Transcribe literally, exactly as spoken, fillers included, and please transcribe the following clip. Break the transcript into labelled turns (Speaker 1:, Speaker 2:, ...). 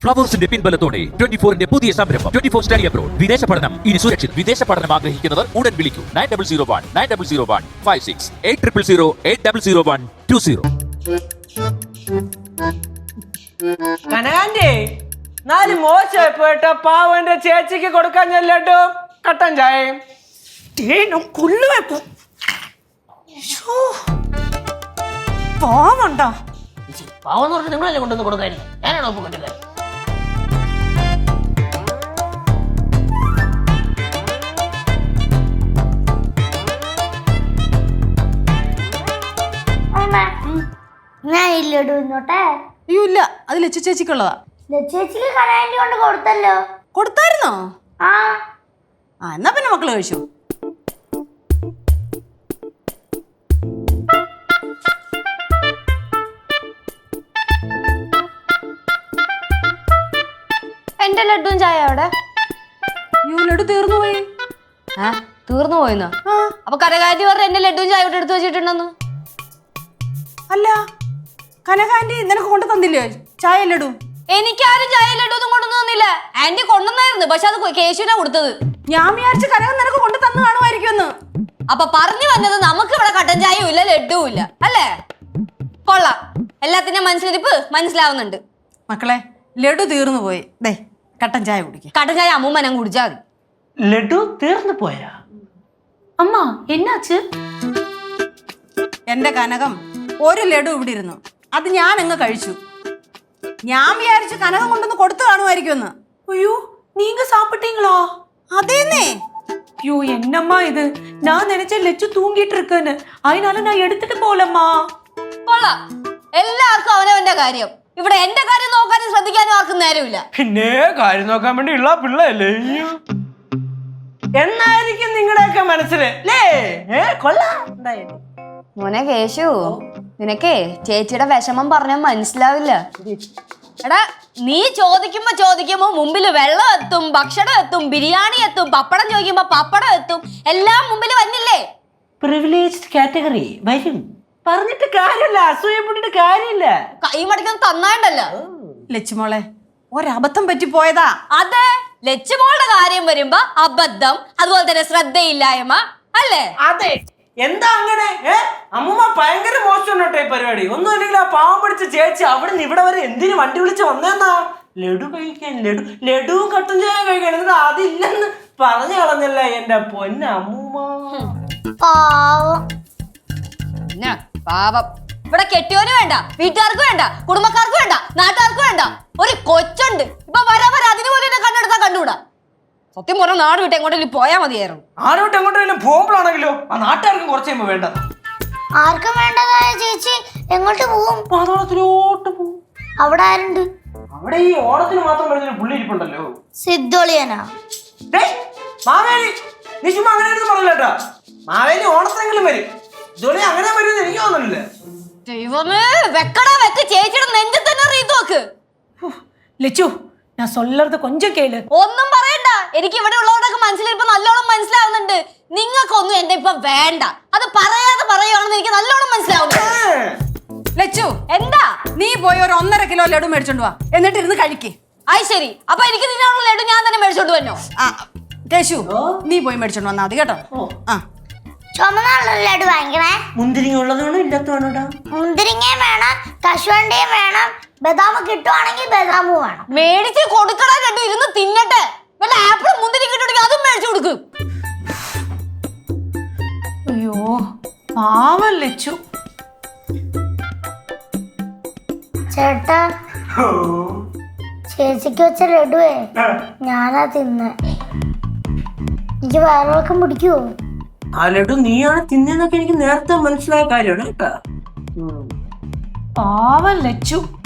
Speaker 1: ഫ്ലവേഴ്സിന്റെ പിൻബലത്തോടെ twenty ഫോറിന്റെ പുതിയ സംരംഭം ട്വന്റി ഫോർ സ്റ്റഡി അബ്രോഡ്. വിദേശ പഠനം ഇനി സുരക്ഷിത്. വിദേശ പഠനം ആഗ്രഹിക്കുന്നവർ ഉടൻ വിളിക്കൂ nine double zero one nine double zero one five six eight triple zero eight double zero one two zero.
Speaker 2: കനകാന്റി നാല് മോശപ്പെട്ട പാവന്റെ ചേച്ചിക്ക് കൊടുക്കാൻ ചെല്ലട്ടോ കട്ടൻ ചായയും
Speaker 3: പാവണ്ടോ
Speaker 4: പാവം എന്ന് പറഞ്ഞാൽ നിങ്ങളല്ലേ കൊണ്ടുവന്ന് കൊടുക്കാനില്ല, ഞാനാണോ ഒപ്പം കണ്ടത്?
Speaker 5: ഞാൻ ഇല്ലടൂ ഇന്നോട്ടെ.
Speaker 3: അയ്യോ ഇല്ല, അത് ലച്ചു ചേച്ചിക്കുള്ളതാ.
Speaker 5: ചേച്ചിക്ക് കനാൻഡി കൊണ്ട് കൊടുത്തല്ലോ.
Speaker 3: കൊടുത്തായിരുന്നോ?
Speaker 5: ആ
Speaker 3: ആ എന്നാ പിന്നെ മക്കള് കഴിച്ചു.
Speaker 6: എന്റെ ലഡുവും ചായ അവിടെ.
Speaker 3: അയ്യോ ലഡു തീർന്നു പോയി.
Speaker 6: ആ തീർന്നു പോയിന്നോ? അപ്പൊ കനകാന്റി പറഞ്ഞ എന്റെ ലഡുവും ചായ ഇവിടെ എടുത്തു വെച്ചിട്ടുണ്ടെന്ന്.
Speaker 3: അല്ല കനകാന്റി നിനക്ക് കൊണ്ടു തന്നില്ലേ ചായ ലഡു?
Speaker 6: എനിക്കാരും ചായ ലഡു ഒന്നും കൊണ്ടു തന്നില്ല. ആന്റി കൊണ്ടുവന്നായിരുന്നു, പക്ഷെ അത് കേശുവിനാ കൊടുത്തത്.
Speaker 3: ഞാൻ വിചാരിച്ച കനകം നിനക്ക് കൊണ്ടു തന്നു കാണുമായിരിക്കുമെന്ന്.
Speaker 6: അപ്പൊ പറഞ്ഞു വന്നത് നമുക്ക് ഇവിടെ കട്ടൻ ചായയും ഇല്ല ലഡുവും ഇല്ല അല്ലേ? കൊള്ളാം, എല്ലാത്തിന്റെ മനസ്സിലിരിപ്പ് മനസ്സിലാവുന്നുണ്ട്.
Speaker 3: മക്കളെ ലഡു തീർന്നു പോയി. ദേ കട്ടൻ ചായ കുടിക്ക.
Speaker 6: കട്ടൻ ചായ അമ്മൂമ്മനം കുടിച്ചാൽ മതി.
Speaker 2: ലഡു തീർന്നു പോയാ?
Speaker 6: അമ്മ എന്നാച്ച്?
Speaker 3: എന്റെ കനകം ഒരു ലഡു ഇവിടെ ഇരുന്നു, അത് ഞാൻ അങ്ങ് കഴിച്ചു. ഞാൻ വിചാരിച്ചു കനകം കൊണ്ടൊന്ന് കൊടുത്തു കാണുമായിരിക്കുമെന്ന്.
Speaker 7: ஐயோ நீங்க சாப்பிட்டீங்களா?
Speaker 3: അതേന്നേ.
Speaker 7: ஐயோ என்னம்மா இது, நான் நினைச்சேன் லெச்சு தூங்கிட்டு இருக்குன்னு, அதனால நான் எடுத்துட்டு போலம்மா.
Speaker 6: കൊള്ളാം, എല്ലാവർക്കും അവനവന്റെ കാര്യം. ഇവിടെ എന്റെ കാര്യം നോക്കാനും ശ്രദ്ധിക്കാനും ആർക്കും നേരമില്ല.
Speaker 2: പിന്നെ കാര്യം നോക്കാൻ വേണ്ടി ഉള്ള പിള്ളയല്ലേ എന്നായിരിക്കും നിങ്ങളുടെയൊക്കെ മനസ്സില് അല്ലേ? കൊള്ളാം.
Speaker 6: മോനെ കേശു, നിനക്കേ ചേച്ചിയുടെ വിഷമം പറഞ്ഞാൽ മനസ്സിലാവില്ല. എടാ നീ ചോദിക്കുമ്പോ ചോദിക്കുമ്പോ മുമ്പിൽ വെള്ളം എത്തും, ഭക്ഷണം എത്തും, ബിരിയാണി എത്തും, പപ്പടം ചോദിക്കുമ്പോ പപ്പടം എത്തും, എല്ലാം മുമ്പിൽ വന്നില്ലേ?
Speaker 2: പ്രിവിലേജ്ഡ് കാറ്റഗറി വരും. പറഞ്ഞിട്ട് കാര്യമില്ല, അസൂയപ്പെട്ടിട്ട് കാര്യമില്ല.
Speaker 6: കൈ മടക്കൊന്നും തന്നാണ്ടല്ലോ.
Speaker 3: ലച്ചുമോളെ ഒരബദ്ധം പറ്റിപ്പോയതാ.
Speaker 6: അതെ, ലച്ചുമോളുടെ കാര്യം വരുമ്പോ അബദ്ധം, അതുപോലെ തന്നെ ശ്രദ്ധയില്ലായ്മ അല്ലേ?
Speaker 2: അതെ. എന്താ അങ്ങനെ? അമ്മൂമ്മ ഭയങ്കര മോശം കേട്ടോ ഈ പരിപാടി. ഒന്നും ഇല്ലെങ്കിൽ ആ പാവം പിടിച്ച ചേച്ചി അവിടെ നിന്ന് ഇവിടെ വരെ എന്തിനു വണ്ടി വിളിച്ച് വന്നേന്നാ? ലഡു കഴിക്കാൻ, ലഡു ലഡുവും കട്ടൻ ചായ കഴിക്കാൻ. എന്നിട്ട് അതില്ലെന്ന് പറഞ്ഞു കളഞ്ഞല്ല എന്റെ പൊന്ന അമ്മൂമ്മ.
Speaker 5: പാവം.
Speaker 6: പിന്നെ പാപം. ഇവിടെ കെട്ടിയോന് വേണ്ട, വീട്ടുകാർക്ക് വേണ്ട, കുടുംബക്കാർക്ക് വേണ്ട, നാട്ടുകാർക്ക് വേണ്ട, ഒരു കൊച്ചുണ്ട്. ഇപ്പൊ വരാ വരാ അതിന് പോലെ എന്നെ കണ്ടെടുത്താ കണ്ടുകൂടാ. സത്യം പറഞ്ഞ നാട് വിട്ട് എങ്ങോട്ടെങ്കിലും പോയാൽ മതിയായിരുന്നു.
Speaker 2: നാട് വിട്ട് എങ്ങോട്ടെങ്കിലും പോകുമ്പോഴാണെങ്കിലോ ആ നാട്ടുകാർക്കും കുറച്ച് കഴിയുമ്പോ വേണ്ടത്.
Speaker 5: ആർക്കും വേണ്ടതായ ചേച്ചി എങ്ങോട്ട് പോവും?
Speaker 2: പാതോളത്തിലോട്ട് പോവും.
Speaker 5: അവിടെ ആരുണ്ട്?
Speaker 2: അവിടെ ഈ ഓണത്തിന് മാത്രം വരുന്നൊരു പുള്ളി ഇരിപ്പുണ്ടല്ലോ,
Speaker 5: സിദ്ധോളിയനാ.
Speaker 2: മാവേലി. നീ ചുമ്മാ അങ്ങനെ ഒന്നും പറഞ്ഞില്ല കേട്ടോ. മാവേലി ഓണത്തിനെങ്കിലും വരും, ജോലി അങ്ങനെ വരുമെന്ന് എനിക്ക് തോന്നുന്നില്ല.
Speaker 6: ദൈവമേ, വെക്കടാ വെക്ക്, ചേച്ചിയുടെ നെഞ്ചിൽ തന്നെ റീത്ത് നോക്ക്.
Speaker 7: லெச்சு நான் சொல்றது கொஞ்சம் கேளு.
Speaker 6: ഒന്നും പറയണ്ട, എനിക്ക് ഇവിടെ ഉള്ളവരൊക്കെ മനസ്സിലിപ്പോ നല്ലോണം മനസ്സിലാവുന്നുണ്ട്. നിങ്ങൾക്കൊന്നും എന്റെ ഇപ്പൊ വേണ്ട. അത് പറയാതെ പറയുവാണെന്ന് എനിക്ക് നല്ലോണം മനസ്സിലാവുന്നു.
Speaker 3: ലച്ചു
Speaker 6: എന്താ?
Speaker 3: നീ പോയി ഒരു ഒന്നര കിലോ ലഡു മേടിച്ചോണ്ട് വാ, എന്നിട്ട് ഇരുന്ന് കഴിക്കേ.
Speaker 6: ആയി ശരി, അപ്പൊ എനിക്ക് നിന്നുള്ള ലഡു ഞാൻ തന്നെ മേടിച്ചോണ്ട് വന്നോ?
Speaker 3: ആ കേശു നീ പോയി മേടിച്ചോണ്ട് വന്നാ മതി കേട്ടോ. ആ
Speaker 5: ചുമന്നുള്ള ലഡു വാങ്ങിക്കണേ.
Speaker 2: മുന്തിരിങ്ങ ഉള്ളത് വേണം, ഇല്ലാത്ത വേണോടാ?
Speaker 5: മുന്തിരിങ്ങയും വേണം, കശുവണ്ടിയും വേണം, ബദാം കിട്ടുവാണെങ്കിൽ ബദാമും വേണം.
Speaker 6: മേടിച്ച് കൊടുക്കണ ലഡു ഇരുന്ന് തിന്നട്ടെ. വല്ല ആപ്പിളും മുന്തിരി കിട്ടുണ്ടെങ്കിൽ അതും മേടിച്ചു കൊടുക്കും.
Speaker 7: ஐயோ പാവം ലച്ചു.
Speaker 5: ചേട്ടാ ചേച്ചിക്ക് വെച്ച ലഡുവേ ഞാനാ തിന്നെ. എനിക്ക് വയറിളക്കം പിടിക്കുവോ?
Speaker 2: ആ ലഡു നീയാണ് തിന്നതെന്നൊക്കെ എനിക്ക് നേരത്തെ മനസ്സിലായ കാര്യമാണ് കേട്ടോ.
Speaker 7: പാവം ലച്ചു.